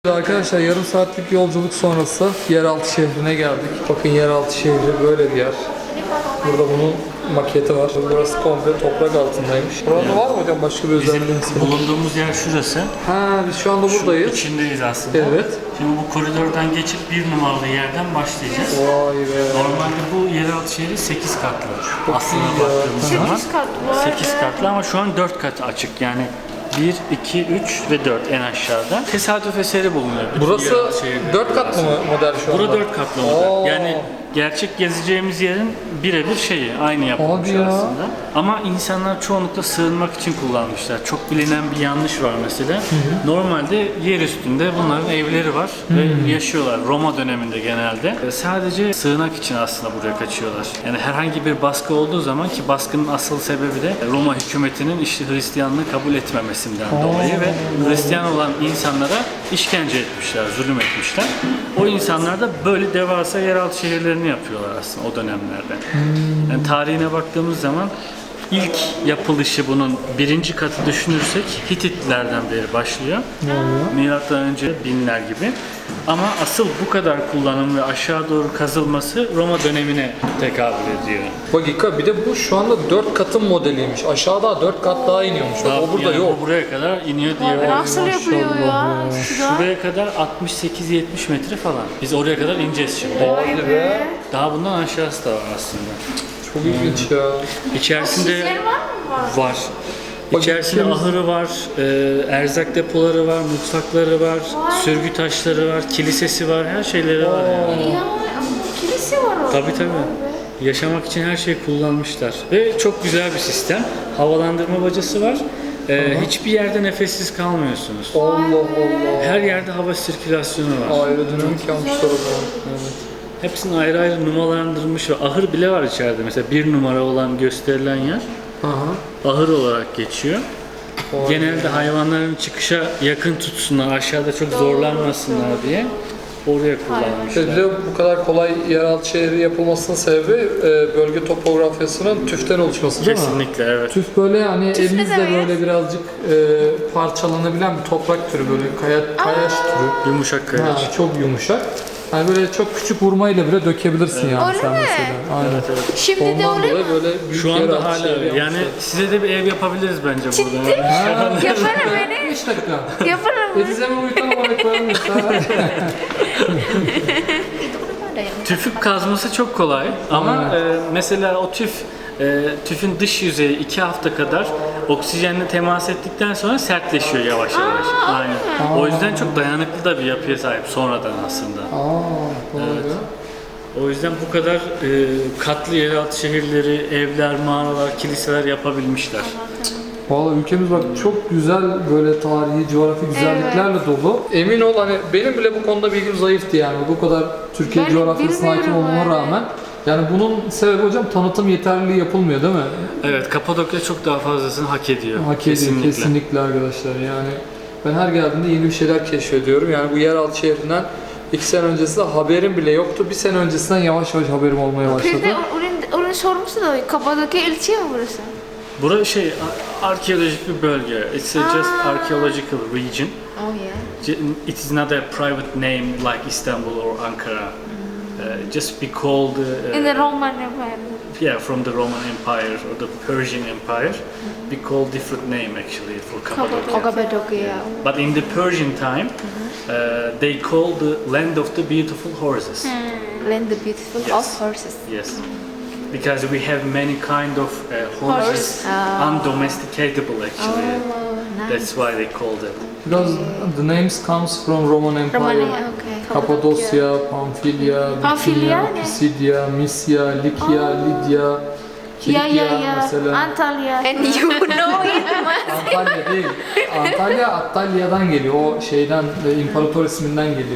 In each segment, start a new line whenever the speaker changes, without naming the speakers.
Arkadaşlar yarım saatlik yolculuk sonrası yeraltı şehrine geldik. Bakın yeraltı şehri böyle bir yer. Burada bunun maketi var. Burası komple toprak altındaymış. Burada var mı hocam başka bir özelliği?
Bizim bulunduğumuz yer şurası.
Ha, biz şu anda buradayız.
İçindeyiz aslında.
Evet.
Şimdi bu koridordan geçip bir numaralı yerden başlayacağız.
Vay be.
Normalde bu yeraltı şehri 8 katlı. Aslına baktığımız zaman
8 kat var.
8 katlı ama şu an 4 kat açık. Yani 1, 2, 3 ve 4 en aşağıda. Tesadüf eseri bulunuyor. Bütün
Burası
yeraltı şehirleri
4 katlı mı model şu anda?
Burada 4 katlı model.
Oo.
Yani gerçek gezeceğimiz yerin birebir şeyi, aynı yapılmış
Hadi ya.
aslında. Ama insanlar çoğunlukla sığınmak için kullanmışlar. Çok bilinen bir yanlış var mesela. Normalde yer üstünde bunların evleri var ve yaşıyorlar Roma döneminde genelde. Sadece sığınak için aslında buraya kaçıyorlar. Yani herhangi bir baskı olduğu zaman, ki baskının asıl sebebi de Roma hükümetinin işte Hristiyanlığı kabul etmemesinden dolayı ve Hristiyan olan insanlara işkence etmişler, zulüm etmişler. O insanlar da böyle devasa yeraltı şehirlerini yapıyorlar aslında o dönemlerde. Yani tarihine baktığımız zaman ilk yapılışı bunun birinci katı düşünürsek Hititlerden beri başlıyor. Milattan önce binler gibi. Ama asıl bu kadar kullanım ve aşağı doğru kazılması Roma dönemine tekabül ediyor.
Dakika, bir de bu şu anda 4 katın modeliymiş. Aşağıda 4 kat daha iniyormuş. O burada
Yani
yok.
bu buraya kadar iniyor diye.
Nasıl yapılıyor ya? Şurada.
Şuraya kadar 68-70 metre falan. Biz oraya kadar ineceğiz şimdi.
Hadi be.
Daha bundan aşağısı da var aslında.
Çok ilginç ya.
İçerisinde
Yer var mı?
var. İçerisinde ahırı var, erzak depoları var, mutfakları var, sürgü taşları var, kilisesi var, her şeyleri var yani.
Ya kilise var orada.
Tabii tabii. Yaşamak için her şeyi kullanmışlar. Ve çok güzel bir sistem. Havalandırma bacası var. Hiçbir yerde nefessiz kalmıyorsunuz.
Allah Allah.
Her yerde hava sirkülasyonu var.
Aerodinamik yapmışlar o zaman. Evet.
Hepsini ayrı ayrı numaralandırılmış ve ahır bile var içeride. Mesela 1 numara olan gösterilen yer
Aha.
ahır olarak geçiyor.
Vay
Genelde hayvanların çıkışa yakın tutsunlar, aşağıda çok zorlanmasınlar diye oraya kullanmışlar.
Bir de bu kadar kolay yeraltı şehri yapılmasının sebebi bölge topografyasının tüften oluşması değil mi?
Kesinlikle evet.
Tüf böyle hani
Tüf ne
elinizle
demek?
böyle birazcık parçalanabilen bir toprak türü, böyle kayaç türü.
Yumuşak kayaç.
Ha, çok yumuşak. Hani böyle çok küçük vurmayla bile dökebilirsin yani
Öyle
sen
mi?
mesela. Aynen.
Evet, evet.
Şimdi de
Ondan
öyle
dolayı
mi?
böyle büyük
Şu anda
yeraltı
hala
şehri
öyle. Yani
yapmışlar.
size de bir ev yapabiliriz bence burada.
Ciddi? Yaparım beni.
5 dakika.
Yaparım.
Edizeme uyutan olaylarım mesela.
Tüfük kazması çok kolay ama mesela o tüfün dış yüzeyi 2 hafta kadar oksijenle temas ettikten sonra sertleşiyor yavaş yavaş. Aynen. O yüzden çok dayanıklı da bir yapıya sahip sonradan aslında.
Evet.
O yüzden bu kadar katlı yeraltı şehirleri, evler, mağaralar, kiliseler yapabilmişler.
Valla ülkemiz bak çok güzel böyle tarihi, coğrafi güzelliklerle dolu. Emin ol hani benim bile bu konuda bilgim zayıftı yani. Bu kadar Türkiye
Ben
coğrafyasına hakim
bilmiyorum
olmama
öyle.
rağmen. Yani bunun sebebi hocam tanıtım yeterliliği yapılmıyor değil mi?
Evet, Kapadokya çok daha fazlasını hak ediyor.
Hak ediyor kesinlikle arkadaşlar yani. Ben her geldiğimde yeni bir şeyler keşfediyorum. Yani bu yeraltı şehrinden 2 sene öncesinde haberim bile yoktu. 1 sene öncesinden yavaş yavaş haberim olmaya başladı.
Bir de onun sorumlusu da Kapadokya ilçe mi burası?
Burası arkeolojik bir bölge. It's a just archaeological region.
Oh yeah.
It is not a private name like Istanbul or Ankara. Just be called
In the Roman Empire.
yeah, from the Roman Empire or the Persian Empire. Be called different name actually for Cappadocia.
Kapadokya.
But in the Persian time, they call the land of the beautiful horses.
Land the beautiful
Yes.
of horses.
Yes, because we have many kind of horses, undomesticatable actually.
Oh, nice.
That's why they called it.
Because the names comes from Roman Empire.
Romania, okay.
Kapadosya, Pamfilya,
Pamfilya
Bithynia,
ne?
Pisidya, Misya, Likya, Lidya, Kilikya mesela.
Antalya. And you know it.
Antalya değil. Antalya Antalya'dan geliyor. O şeyden imparator isminden geliyor.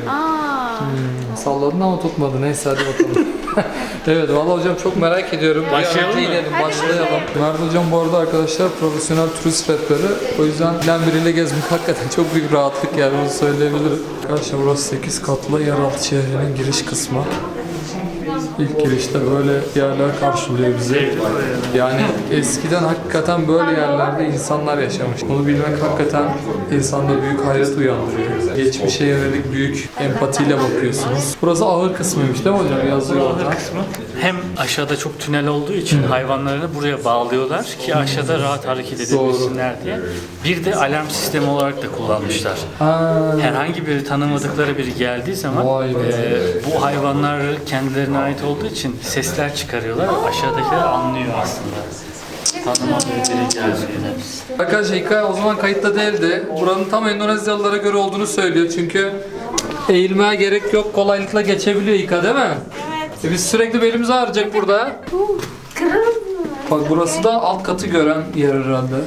Salladın ama tutmadı. Neyse hadi bakalım. Evet valla hocam çok merak ediyorum.
Başlayalım mı?
Başlayalım. Mert hocam bu arada arkadaşlar profesyonel turist rehberi. O yüzden bilen biriyle gezmek hakikaten çok büyük rahatlık yani bunu söyleyebilirim. Arkadaşlar burası 8 katlı yeraltı şehrinin giriş kısmı. İlk girişte böyle yerler karşılıyor bizi. Yani eskiden hakikaten böyle yerlerde insanlar yaşamış. Bunu bilmek hakikaten insanda büyük hayret uyandırıyor. Geçmişe yönelik büyük empatiyle bakıyorsunuz. Burası ahır kısmıymış değil mi hocam? Yazıyor orada.
Kısmı. Hem aşağıda çok tünel olduğu için hayvanlarını buraya bağlıyorlar ki aşağıda rahat hareket edebilsinler diye. Bir de alarm sistemi olarak da kullanmışlar. Herhangi bir tanımadıkları biri geldiği zaman
Vay be.
bu hayvanlar kendilerine ait olduğu için sesler çıkarıyorlar. Aşağıdakiler anlıyor aslında. Tanımadığı biri geldiğini.
Arkadaşlar hikaye o zaman kayıtta değildi. Buranın tam Endonezyalılara göre olduğunu söylüyor çünkü eğilmeye gerek yok, kolaylıkla geçebiliyor İka değil mi?
Evet.
Biz sürekli belimizi ağrıyacak burada.
Keren.
Bak burası da alt katı gören yer herhalde.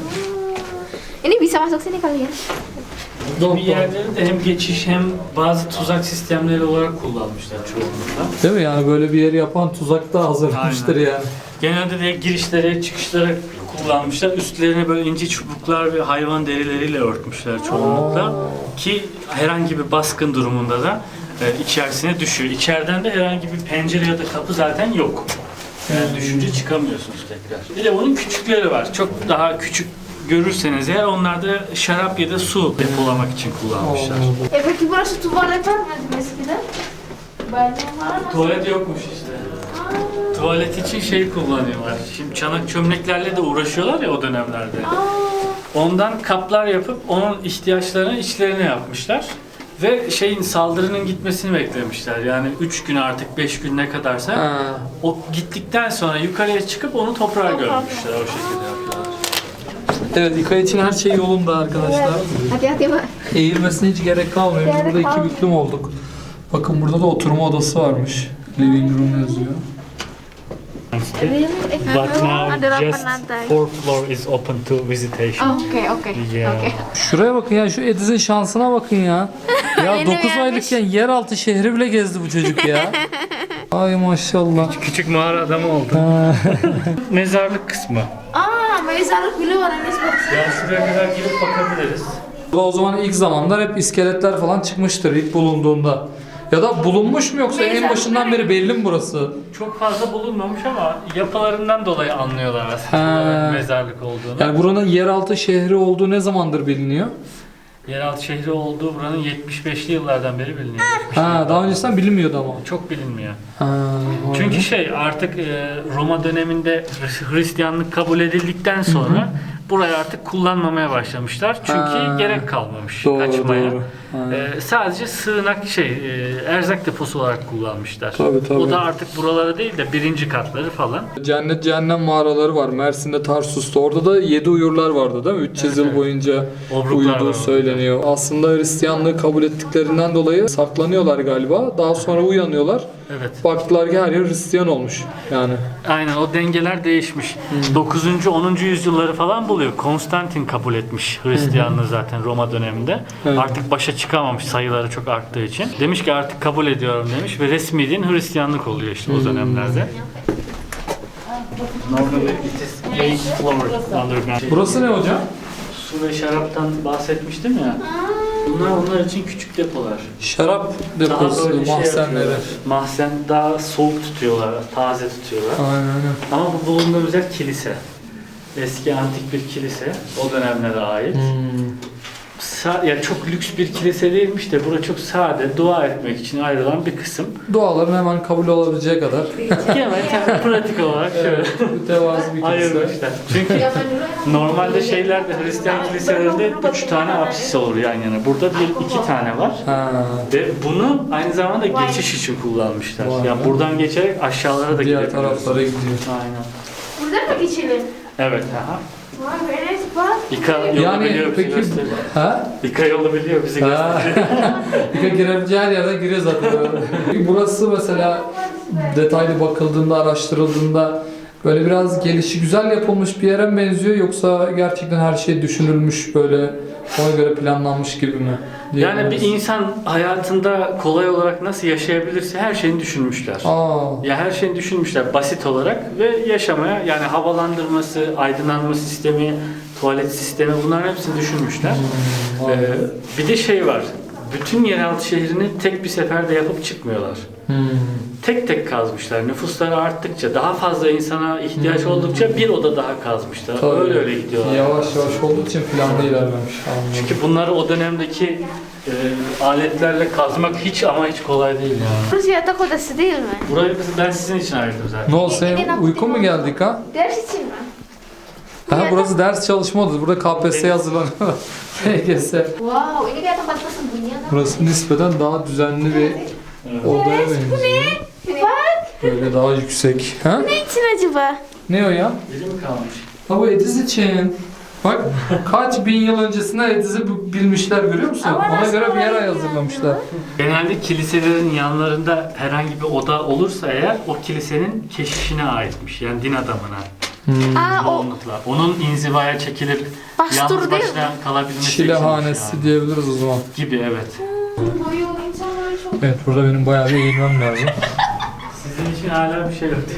Ini bisa masuk sini kali ya?
Bir yerleri de hem geçiş hem bazı tuzak sistemleri olarak kullanmışlar çoğunlukla.
Değil mi yani böyle bir yeri yapan tuzakta hazırlamıştır
Aynen.
yani.
Genelde de girişlere, çıkışlara kullanmışlar. Üstlerine böyle ince çubuklar ve hayvan derileriyle örtmüşler çoğunlukla. Ki herhangi bir baskın durumunda da içerisine düşüyor. İçeriden de herhangi bir pencere ya da kapı zaten yok. Yani düşünce çıkamıyorsunuz tekrar. Bir de bunun küçükleri var. Çok daha küçük görürseniz eğer onlar da şarap ya da su depolamak için kullanmışlar.
Peki burası tuvalet var mı eskiden? Banyo var mı?
Tuvalet yokmuş işte. Tuvalet için şey kullanıyorlar. Şimdi çanak çömleklerle de uğraşıyorlar ya o dönemlerde. Ondan kaplar yapıp onun ihtiyaçlarını içlerine yapmışlar. Ve saldırının gitmesini beklemişler. Yani 3 gün artık 5 gün ne kadarsa o gittikten sonra yukarıya çıkıp onu toprağa gömmüşler. O şekilde yapıyorlar.
Evet İka için her şey yolunda arkadaşlar.
Hati-hati Pak.
Eğilmesine hiç gerek kalmıyor. Biz burada iki büklüm olduk. Bakın burada da oturma odası varmış. Living room yazıyor.
But now just fourth floor is open to visitation.
Oke.
Yeah.
Şuraya bakın ya şu Ediz'in şansına bakın ya. Ya
Yeni
9
gelmiş.
aylıkken yeraltı şehri bile gezdi bu çocuk ya. Ay maşallah.
Küçük mağara adamı oldu. Mezarlık kısmı.
Mezarlık bile var Enes bak.
Yani şuraya kadar girip bakabiliriz.
O zaman ilk zamanlar hep iskeletler falan çıkmıştır ilk bulunduğunda. Ya da bulunmuş mu yoksa en başından beri belli mi burası?
Çok fazla bulunmamış ama yapılarından dolayı anlıyorlar aslında
Ha.
mezarlık olduğunu.
Yani buranın yeraltı şehri olduğu ne zamandır biliniyor?
Yeraltı şehri olduğu buranın 75'li yıllardan beri biliniyor.
Ha, daha öncesinden bilinmiyordu ama.
Çok bilinmiyor.
Ha,
Çünkü artık Roma döneminde Hristiyanlık kabul edildikten sonra burayı artık kullanmamaya başlamışlar. Çünkü gerek kalmamış
Doğru,
kaçmaya.
doğru.
Sadece sığınak erzak deposu olarak kullanmışlar.
Tabii.
O da artık buraları değil de birinci katları falan.
Cennet cehennem mağaraları var. Mersin'de, Tarsus'ta. Orada da 7 uyurlar vardı değil mi? 300 yıl boyunca
Obruklar
uyuduğu
var
söyleniyor. Aslında Hristiyanlığı kabul ettiklrinden dolayı saklanıyorlar galiba. Daha sonra uyanıyorlar.
Evet.
Baktılar ki her yer Hristiyan olmuş. Yani.
Aynen o dengeler değişmiş. 9. 10. yüzyılları falan buluyor. Konstantin kabul etmiş Hristiyanlığı zaten Roma döneminde.
Evet.
Artık başa çıkamamış sayıları çok arttığı için. Demiş ki artık kabul ediyorum demiş ve resmi din Hristiyanlık oluyor işte o dönemlerde. Normally it is 8 floor underground.
Burası ne hocam?
Su ve şaraptan bahsetmiştim ya. Bunlar onlar için küçük depolar.
Şarap
Daha
deposu,
böyle
mahzenleri.
yapıyorlar. Mahzen daha soğuk tutuyorlar, taze tutuyorlar.
Aynen.
Ama bu bulunduğumuz yer kilise. Eski antik bir kilise. O dönemlere ait. Ya çok lüks bir kilise değilmiş de burası çok sade, dua etmek için ayrılan bir kısım.
Duaların hemen kabul olabileceği kadar.
Hemen pratik olarak şöyle
Mütevazı bir kilise.
ayırmışlar. Çünkü normalde Hristiyan kiliselerinde 3 tane apsis olur yan yana. Burada 2 tane var.
Ha.
Ve bunu aynı zamanda geçiş için kullanmışlar.
Vay
Yani
be.
buradan geçerek aşağılara da
Diğer
gidebiliyorsun.
taraflara gidiyor.
Aynen.
Burada mı geçelim?
Evet. Aha.
Vay Enes bak.
İka yolu
Yani
biliyor bizi
peki
gösteriyor.
ha?
İka yolu biliyor bizi
Ha.
gösteriyor.
Bir girebileceği her yerden giriyor zaten. Peki burası mesela detaylı bakıldığında, araştırıldığında böyle biraz gelişi güzel yapılmış bir yere mi benziyor yoksa gerçekten her şey düşünülmüş böyle ona göre planlanmış gibi mi?
Yani bir insan hayatında kolay olarak nasıl yaşayabilirse her şeyini düşünmüşler. Ya her şeyini düşünmüşler basit olarak ve yaşamaya yani havalandırması, aydınlanma sistemi, tuvalet sistemi bunların hepsini düşünmüşler. Bir de var. Bütün yeraltı şehrini tek bir seferde yapıp çıkmıyorlar. tek tek kazmışlar. Nüfusları arttıkça, daha fazla insana ihtiyaç oldukça bir oda daha kazmışlar.
Tabii.
Öyle gidiyorlar.
Yavaş yavaş olduğu için planda ilerlemiş. Anladım.
Çünkü bunları o dönemdeki aletlerle kazmak hiç ama hiç kolay değil yani.
Burası yatak odası değil mi?
Burayı ben sizin için ayırdım zaten.
Ne oldu, senin uykun mu geldik ha?
Ders için mi?
Ha, burası ders çalışma odası. Burada KPSS'ye hazırlanıyor. LGS.
Wow, ini kayak tempat persembunyian.
Burası nispeten daha düzenli bir odaya benziyor.
Bak.
Böyle daha yüksek. Ha?
Ne için acaba?
Ne o ya?
Biri mi kalmış?
Ha, bu Ediz için. Bak kaç bin yıl öncesinden Ediz'i bilmişler, görüyor musun?
Ama
Ona
nasıl
göre bir yer
olabilir
hazırlamışlar.
Genelde kiliselerin yanlarında herhangi bir oda olursa eğer o kilisenin keşişine aitmiş. Yani din adamına.
Aa, o
Çoğunlukla. Onun inzivaya çekilip
Pastor
yalnız
değil
başına kalabilmesi
Çilehanesi
içinmiş yani.
diyebiliriz o zaman.
Gibi evet.
boyu insanları çok...
Evet, burada benim bayağı bir eğilmem lazım.
Sizin için hala bir şey yok.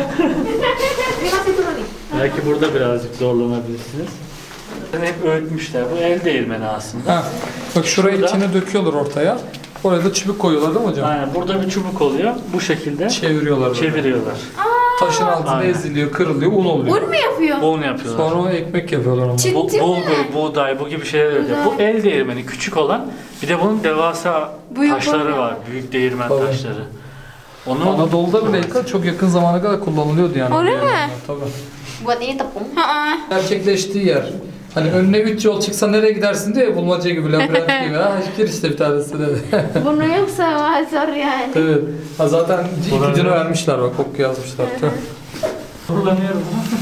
Ini masih turun nih.
Belki burada birazcık zorlanabilirsiniz. Hep öğütmüşler. Bu el değirmeni aslında.
Ha, bak şurayı
Burada-
içine döküyorlar ortaya. Oraya da çubuk koyuyorlar değil mi hocam?
Aynen. Burada bir çubuk oluyor. Bu şekilde
Çeviriyorlar böyle.
çeviriyorlar.
Taşın altında
Aynen.
eziliyor, kırılıyor, un oluyor.
Un mu yapıyor?
Bunu yapıyorlar.
Sonra ona ekmek yapıyorlar onu.
Çinti mi?
Bulgur, buğday, bu gibi şeyler yapıyor. Bu el değirmeni küçük olan. Bir de bunun devasa
Büyük
taşları
olan.
var. Büyük değirmen
Tabii.
taşları. Onu
Anadolu'da bile çok yakın zamana kadar kullanılıyordu yani.
Öyle mi?
Tabii.
Buat ini tepung. Heeh.
Gerçekleştiği yer. Hani önüne 3 yol çıksa nereye gidersin diye, bulmaca gibi, labirent gibi. Ha, gir işte bir tanesi de.
Bunu yoksa mazur yani.
Evet. Ha, zaten
Olabilir.
ipucunu vermişler, bak oku yazmışlar.
kullanıyorum.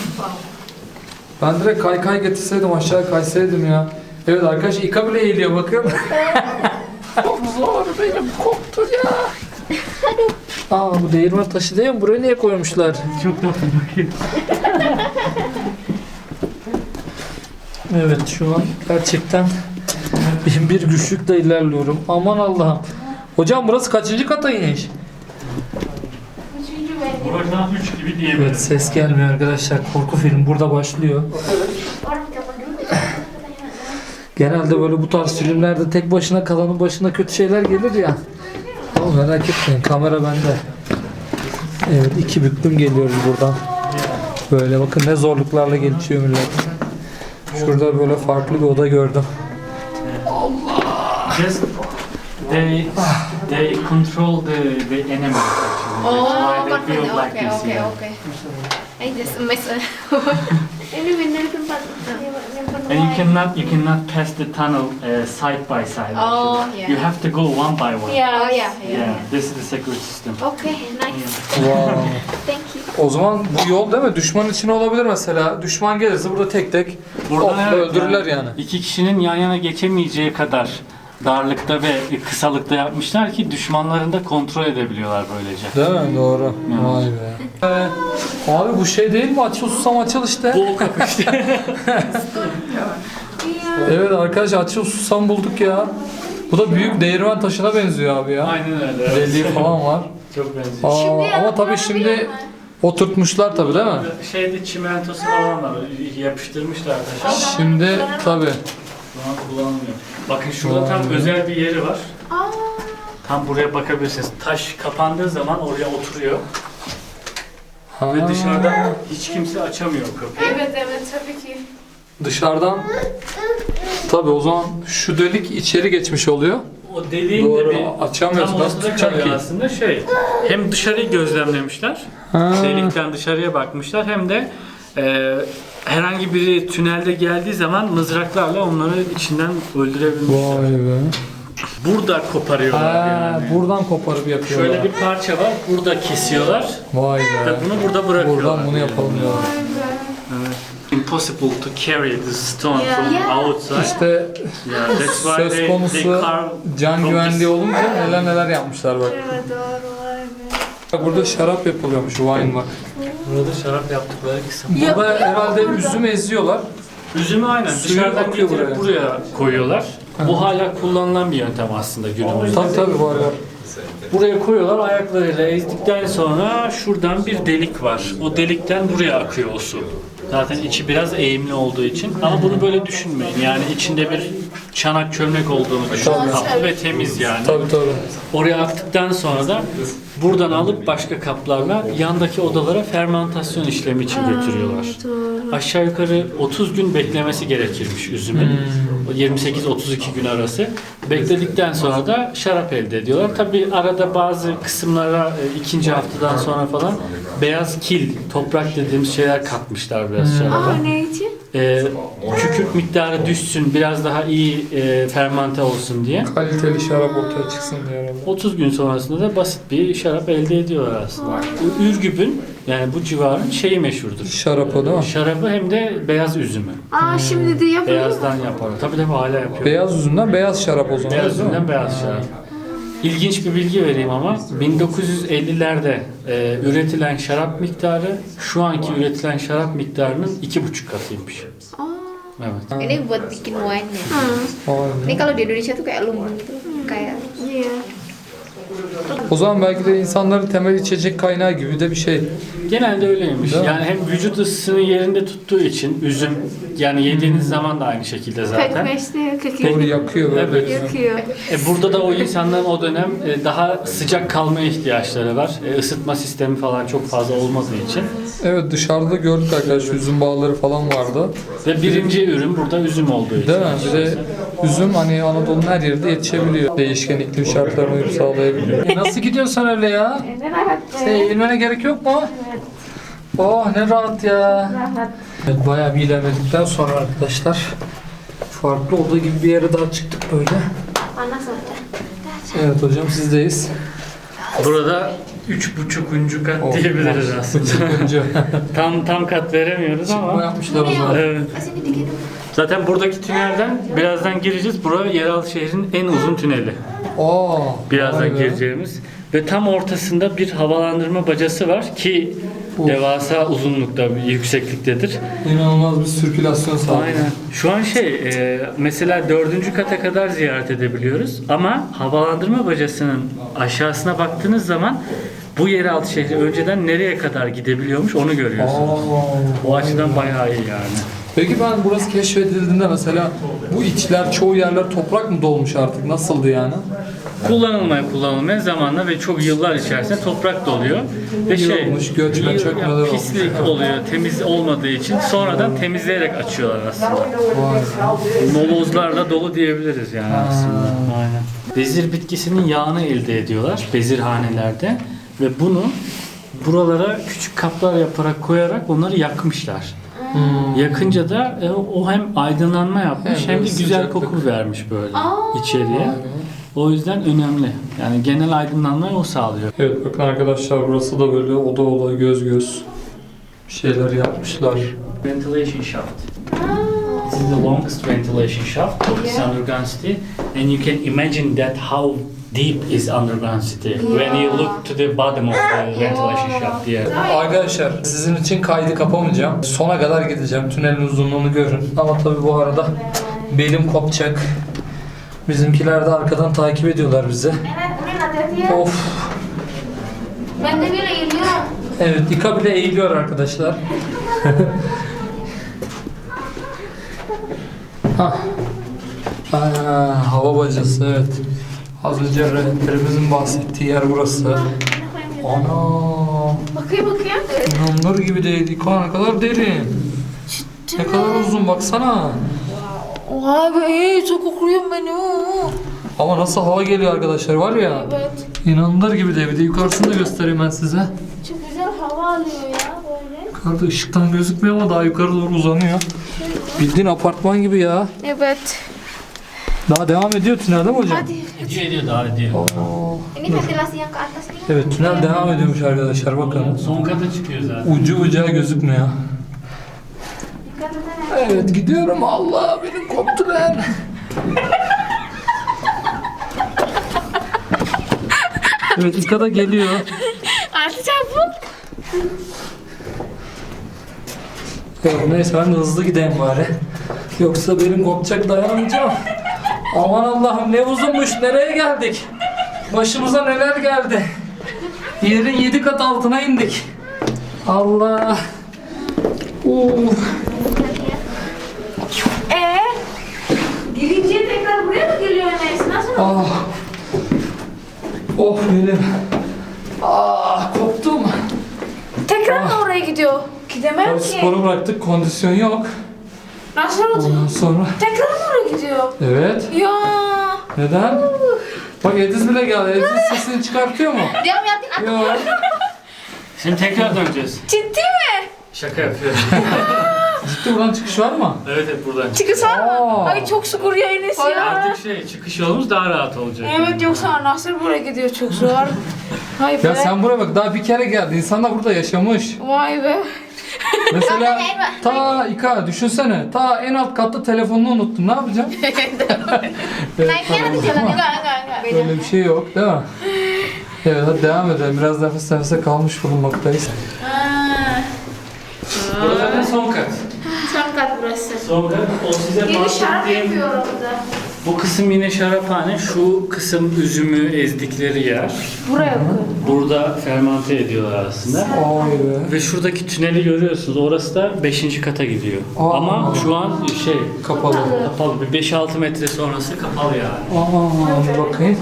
Ben direkt kaykay getirseydim, aşağı kaysaydım ya. Evet arkadaş, İka bile eğiliyor bakın. Çok zor, benim koptu ya. Aa, bu değirmen taşı değil mi? Buraya niye koymuşlar?
Çok da bakayım.
Evet, şu an gerçekten bir güçlükle ilerliyorum. Aman Allah'ım. Hocam burası kaçıncı kata iniş?
Üçüncü benim.
Buradan 3 gibi diyebilirim.
Evet, ses gelmiyor arkadaşlar. Korku film burada başlıyor.
Orang kapan dulu?
Genelde böyle bu tarz filmlerde tek başına kalanın başına kötü şeyler gelir ya. Ama merak etmeyin, kamera bende. Evet, 2 büklüm geliyoruz buradan. Böyle bakın ne zorluklarla geçiyor millet. Şurada böyle farklı bir oda gördüm.
Just they control the enemies actually.
Oh,
That's why they build
oke,
like this.
oke,
yeah.
oke. I just amazed. Ini bener tempat nyimpen
And
wine.
you cannot pass the tunnel side by side.
Oh,
actually.
yeah.
You have to go one by one.
Yeah, oh yeah,
Yeah, this is the secret system.
Okay, nice.
Wow.
Thank you.
O zaman bu yol değil mi? Düşman için olabilir mesela. Düşman gelirse burada tek tek
Burada evet,
öldürürler yani.
İki kişinin yan yana geçemeyeceği kadar darlıkta ve kısalıkta yapmışlar ki düşmanlarını da kontrol edebiliyorlar böylece.
Değil mi? Doğru. Vay be. Abi bu şey değil mi? Açıl susam açıl işte.
Bu o kapı işte.
Evet arkadaş, açıl susam bulduk ya. Bu da büyük değirmen taşına benziyor abi ya.
Aynen öyle. evet.
Deliği falan var.
Çok benziyor.
Aa, ama tabii şimdi oturtmuşlar tabii değil mi?
Şeyde çimentosu falan var. Yapıştırmışlar taşa.
Şimdi tabii.
Şu an kullanılmıyor. Bakın şurada tam
Vay.
özel bir yeri var.
Aa,
Tam buraya bakabilirsiniz. Taş kapandığı zaman oraya oturuyor.
Ha,
Ve dışarıdan hiç kimse açamıyor kapıyı.
evet tabii ki.
dışarıdan tabii o zaman şu delik içeri geçmiş oluyor.
O deliğin
Doğru,
de bir
açamıyoruz.
tam
Nasıl
ortada
tutacak
kalıyor
ki?
aslında hem dışarıyı gözlemlemişler,
Ha.
delikten dışarıya bakmışlar hem de herhangi biri tünelde geldiği zaman mızraklarla onları içinden öldürebilmişler.
Vay be.
Burada koparıyorlar
Ha,
yani.
buradan koparıp yapıyorlar.
Şöyle bir parça var, burada kesiyorlar
Vay
ve
be.
bunu burada bırakıyorlar.
Buradan bunu yapalım diyorlar.
Evet. Impossible to carry the stone from
Yeah.
outside.
İşte
Yeah, that's why
söz
they
konusu
carve
can
from
güvenliği
this-
olunca neler yapmışlar bak.
Evet doğru vay be.
Bak burada şarap yapılıyormuş, wine bak.
Burada şarap yaptıkları kısım.
Burada herhalde üzüm eziyorlar.
Üzümü aynen
Suyu
dışarıdan
akıyor
getirip buraya koyuyorlar. Bu hala kullanılan bir yöntem aslında günümüzde.
Tabii var var.
Buraya koyuyorlar, ayaklarıyla ezdikten sonra şuradan bir delik var. O delikten buraya akıyor o su. Zaten içi biraz eğimli olduğu için. Ama bunu böyle düşünmeyin. Yani içinde bir çanak çömlek olduğunu düşün.
Tabii.
Kaplı ve temiz yani.
Tabii tabii.
Oraya aktıktan sonra da buradan alıp başka kaplarla yandaki odalara fermentasyon işlemi için götürüyorlar. Aşağı yukarı 30 gün beklemesi gerekirmiş üzümün. 28-32 gün arası. Bekledikten sonra da şarap elde ediyorlar. Tabi arada bazı kısımlara ikinci haftadan sonra falan beyaz kil, toprak dediğimiz şeyler katmışlar biraz şaraba.
Ne için?
Kükürt miktarı düşsün, biraz daha iyi fermente olsun diye.
Kaliteli şarap ortaya çıksın diye herhalde.
30 gün sonrasında da basit bir şarap elde ediyorlar aslında. Ürgüp'ün yani bu civarın şeyi meşhurdur.
Şarap o değil mi?
Şarabı hem de beyaz üzümü.
Şimdi de yapılıyor.
Beyazdan yapar. Tabii hala yapıyor.
Beyaz üzümden beyaz şarap o zaman.
Beyaz
değil mi?
üzümden beyaz şarap. İlginç bir bilgi vereyim ama 1950'lerde üretilen şarap miktarı şu anki üretilen şarap miktarının 2,5 katıymış. Evet.
Ini buat bikin wine ya.
Vay be.
Ini kalau di Indonesia tuh kayak lumbung gitu. Kayak
O zaman belki de insanların temel içecek kaynağı gibi de bir şey.
Genelde öyleymiş.
Değil mi?
Yani hem vücut ısısını yerinde tuttuğu için üzüm yani yediğiniz zaman da aynı şekilde zaten.
Doğru yakıyor böyle.
Evet.
yakıyor.
Burada da o insanların o dönem daha sıcak kalmaya ihtiyaçları var. Isıtma sistemi falan çok fazla olmadığı için.
Evet, dışarıda gördük arkadaşlar, üzüm bağları falan vardı.
Ve birinci ürün burada üzüm olduğu için.
Değil mi? Bir de üzüm hani Anadolu'nun her yerinde yetişebiliyor. Değişken iklim şartlarına uyum sağlayabiliyor. Nasıl gidiyorsun sen öyle ya? Sen eğilmene gerek yok mu? Oh ne rahat ya. Evet, bayağı bir ilerledikten sonra arkadaşlar farklı oda gibi bir yere daha çıktık böyle.
Panas aja.
Evet hocam, sizdeyiz.
Burada 3,5. kat
Oh,
diyebiliriz
oh,
aslında.
çıkınca.
tam kat veremiyoruz
Çıkma
ama.
yapmışlar o zaman.
Evet.
Sini dikit.
Zaten buradaki tünelden birazdan gireceğiz. Burası yeraltı şehrin en uzun tüneli.
Aa,
Birazdan
vay be.
gireceğimiz. Ve tam ortasında bir havalandırma bacası var ki devasa uzunlukta, bir yüksekliktedir.
İnanılmaz bir sirkülasyon sağlıyor.
Aynen. Şu an mesela 4. kata kadar ziyaret edebiliyoruz ama havalandırma bacasının aşağısına baktığınız zaman bu yeraltı şehri önceden nereye kadar gidebiliyormuş onu görüyorsunuz. O açıdan bayağı iyi yani.
Peki ben burası keşfedildiğinde mesela bu içler, çoğu yerler toprak mı dolmuş artık? Nasıldı yani?
Kullanılmaya zamanla ve çok yıllar içerisinde toprak doluyor. Ve
Yığılmış, göçmen çökmeler olmuş.
pislik oluyor, temiz olmadığı için sonradan temizleyerek açıyorlar aslında.
Vay.
Molozlarla dolu diyebiliriz yani aslında. Aynen. Bezir bitkisinin yağını elde ediyorlar bezirhanelerde ve bunu buralara küçük kaplar yaparak koyarak onları yakmışlar. Yakınca da o hem aydınlanma yapmış hem de güzel
sıcaklık.
koku vermiş böyle içeriye. O yüzden önemli. Yani genel aydınlanmayı o sağlıyor.
Evet bakın arkadaşlar, burası da böyle oda oda, göz göz bir şeyler yapmışlar.
Ventilation shaft. This is the longest ventilation shaft of this underground city, and you can imagine that how deep is underground city when you look to the bottom of the ventilation shaft. Yeah.
Arkadaşlar sizin için kaydı kapamayacağım. Sona kadar gideceğim. Tünelin uzunluğunu görün. Ama tabii bu arada belim kopacak. Bizimkiler de arkadan takip ediyorlar bizi. Of.
Ben de bile eğiliyorum.
Evet, İka bile eğiliyor arkadaşlar. Hah. Hava bacası, evet. Az önce rehberimizin bahsettiği yer burası. Ana.
Bakayım.
İnanılır gibi değil. İka ne kadar derin. Ne kadar uzun baksana.
Oha be, çok kokuyorum ben o.
Ama nasıl hava geliyor arkadaşlar var ya.
Evet.
İnanılır gibi değil. Bir de yukarısını da göstereyim ben size.
Çok güzel hava alıyor ya böyle.
Yukarıda ışıktan gözükmüyor ama daha yukarı doğru uzanıyor. Bildiğin apartman gibi ya.
Evet.
Daha devam ediyor tünel değil mi hocam?
Hadi.
Ediyor daha ediyor.
Ini ventilasi yang ke atas nih.
Evet, tünel devam ediyormuş arkadaşlar, bakın.
Son kata çıkıyor zaten.
Ucu bucağı gözükmüyor.
Dikkat etsene.
Evet, gidiyorum. Allah, benim koptular. Evet, İka da geliyor.
Artık çabuk.
Evet, neyse ben de hızlı gideyim bari. Yoksa benim kopacak, dayanamayacağım. Aman Allah'ım, ne uzunmuş, nereye geldik? Başımıza neler geldi? Yerin 7 kat altına indik. Allah.
Birinciye tekrar buraya mı geliyor Enes? Nasıl?
Ah. Oh benim. Ah koptum.
Tekrar mı oraya gidiyor? Gidemem
Tabii
ki.
sporu bıraktık, kondisyon yok.
Nasıl olacak?
Ondan sonra...
Tekrar mı oraya gidiyor?
Evet.
Ya.
Neden? Bak Ediz bile geldi. Ediz sesini çıkartıyor mu?
Dia ngeliatin aku.
Yok.
Şimdi tekrar döneceğiz.
Ciddi mi?
Şaka yapıyorum.
Ciddi buradan çıkış var mı?
Evet hep buradan.
Çıkış var mı?
Aa.
Ay çok şükür ya Enes ya.
Artık çıkış yolumuz daha rahat olacak.
Evet yoksa nasıl buraya gidiyor çok zor. Vay be.
Ya sen buraya bak, daha bir kere geldi. İnsanlar burada yaşamış.
Vay be.
Mesela ta düşünsene. Ta en alt katta telefonunu unuttun. Ne yapacaksın? Evet,
Naiknya nanti
tamam.
jalannya enggak. Beda.
Öyle bir şey yok değil mi? Evet hadi devam edelim. Biraz nefes nefese kalmış bulunmaktayız.
Burası zaten son kat.
Sangkat burası.
Son kat. O size
Yeni şarap
bahsettiğim
yapıyor orada.
bu kısım yine şaraphane. Şu kısım üzümü ezdikleri yer.
Buraya koy.
Burada fermente ediyorlar aslında.
Ay be.
Ve şuradaki tüneli görüyorsunuz. Orası da 5. kata gidiyor.
Aa.
Ama şu an
Kapalı.
kapalı. Bir 5-6 metre sonrası kapalı yani.
Aa, bir bakayım.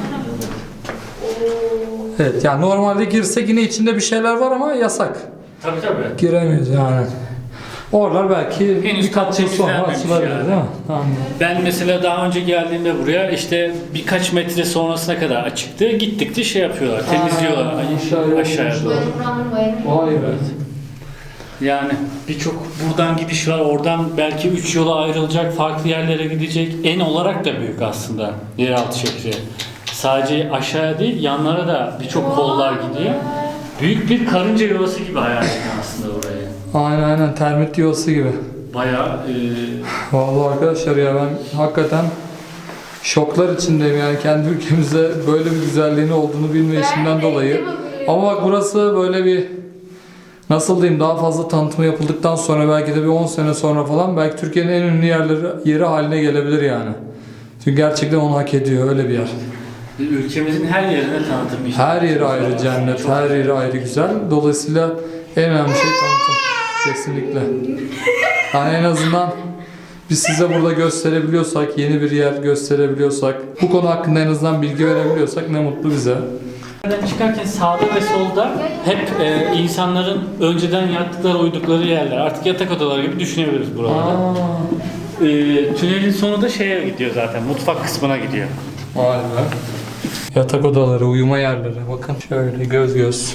Evet yani normalde girsek yine içinde bir şeyler var ama yasak.
Tabii tabii.
Giremiyoruz yani. Oralar belki
Henüz
birkaç yıl sonra
temizlenmemiş
açılabilir
yani.
değil mi? Tamam.
Ben mesela daha önce geldiğimde buraya işte birkaç metre sonrasına kadar açıktı. Gittikçe şey yapıyorlar, temizliyorlar aşağıya doğru.
Vay be.
Yani birçok buradan gidiş var, oradan belki 3 yola ayrılacak, farklı yerlere gidecek. En olarak da büyük aslında yeraltı şehri. Sadece aşağıya değil, yanlara da birçok kollar gidiyor. Büyük bir karınca yuvası gibi hayal edin aslında orayı.
Aynen termit yuvası gibi.
Bayağı
Vallahi arkadaşlar ya ben hakikaten şoklar içindeyim yani kendi ülkemizde böyle bir güzelliğinin olduğunu bilmeyişimden dolayı. Ama bak burası böyle bir nasıl diyeyim daha fazla tanıtımı yapıldıktan sonra belki de bir 10 sene sonra falan belki Türkiye'nin en ünlü yeri haline gelebilir yani. Çünkü gerçekten onu hak ediyor öyle bir yer.
ülkemizin her yerine tanıtım işte.
Her yeri ayrı cennet, her yeri ayrı güzel. Dolayısıyla en önemli şey tanıtım. Kesinlikle. Yani en azından biz size burada gösterebiliyorsak, yeni bir yer gösterebiliyorsak, bu konu hakkında en azından bilgi verebiliyorsak ne mutlu bize.
Çıkarken sağda ve solda hep insanların önceden yattıkları, uydukları yerler. Artık yatak odaları gibi düşünebiliriz buraları. Tünelin sonu da şeye gidiyor zaten, mutfak kısmına gidiyor.
Vay be. Yatak odaları, uyuma yerleri. Bakın şöyle göz göz.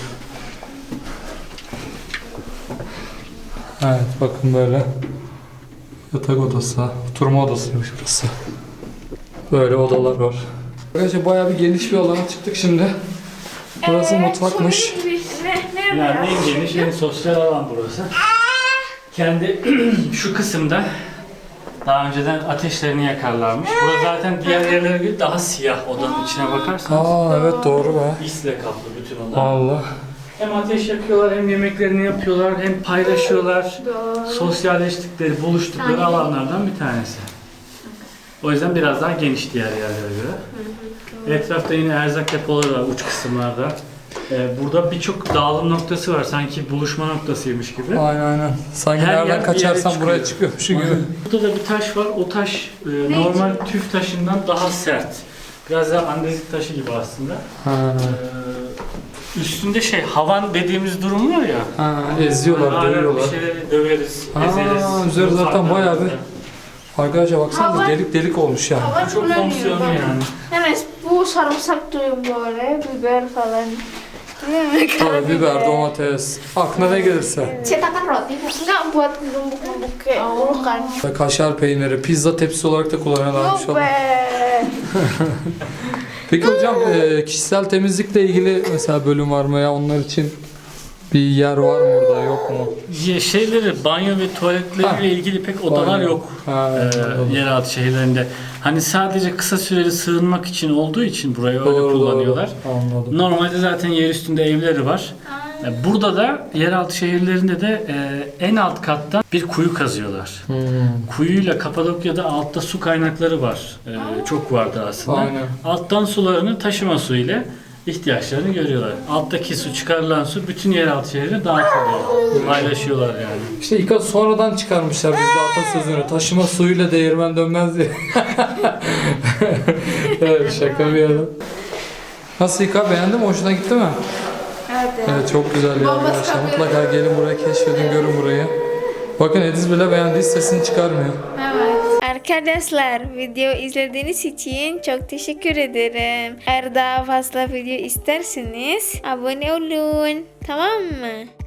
Evet bakın böyle. Yatak odası, oturma odasıymış burası. Böyle odalar var. Arkadaşlar bayağı bir geniş bir alana çıktık şimdi. Burası mutfakmış.
Yani en geniş, en sosyal alan burası. Kendi şu kısımda daha önceden ateşlerini yakarlarmış. Burası zaten diğer yerlere göre daha siyah, odanın içine bakarsanız.
Aa evet doğru be.
İsle kaplı bütün oda.
Allah.
Hem ateş yakıyorlar, hem yemeklerini yapıyorlar, hem paylaşıyorlar. Sosyalleştikleri, buluştukları alanlardan bir tanesi. O yüzden biraz daha geniş diğer yerlere göre. Etrafta yine erzak depoları var uç kısımlarda. Burada birçok dağılım noktası var. Sanki buluşma noktasıymış gibi.
Aynen. Sanki
Her yer
nereden
bir
kaçarsam
yere
buraya
çıkıyor.
çıkıyormuş gibi.
Burada da bir taş var. O taş normal tüf taşından daha sert. Biraz daha andezit taşı gibi aslında.
Ha.
Üstünde havan dediğimiz durum var ya.
Ha, eziyorlar,
Hala
dövüyorlar.
bir şeyleri döveriz, ezeriz.
Üzeri zaten
Ufaklar
bayağı bir...
mesela.
Arkadaşlar baksanıza delik delik olmuş yani.
Çok fonksiyonlu yani.
Enes bu sarımsak duyum böyle, biber falan.
Tabii biber, domates, aklına ne gelirse.
Cetakan roti enggak buat numbuk-numbuk kayak dulu kan.
Kaşar peyniri, pizza tepsisi olarak da kullanıyorlarmış.
Yok be.
Peki hocam kişisel temizlikle ilgili mesela bölüm var mı ya onlar için bir yer var mı orada yok mu?
Banyo ve tuvaletleriyle ilgili pek odalar
Banyo.
yok.
Ha, anladım.
Yeraltı şehirlerinde. Hani sadece kısa süreli sığınmak için olduğu için burayı öyle kullanıyorlar.
Anladım.
Normalde zaten yer üstünde evleri var. Burada da yeraltı şehirlerinde de en alt kattan bir kuyu kazıyorlar. Kuyuyla Kapadokya'da altta su kaynakları var. Çok vardı aslında.
Aynen.
Alttan sularını taşıma su ile ihtiyaçlarını görüyorlar. Alttaki su, çıkarılan su bütün yeraltı şehrine dağıtılıyor. Paylaşıyorlar yani.
İşte İKA sonradan çıkarmışlar bizde atasözünü. Taşıma suyuyla değirmen dönmez diye. Evet, şaka bir yana. Nasıl İKA, beğendin mi? Hoşuna gitti mi? Evet, çok güzel ya arkadaşlar. Mutlaka gelin buraya, keşfedin, görün burayı. Bakın Ediz bile beğendiği sesini çıkarmıyor.
Arkadaşlar, video izlediğiniz için çok teşekkür ederim. Eğer daha fazla video isterseniz abone olun. Tamam mı?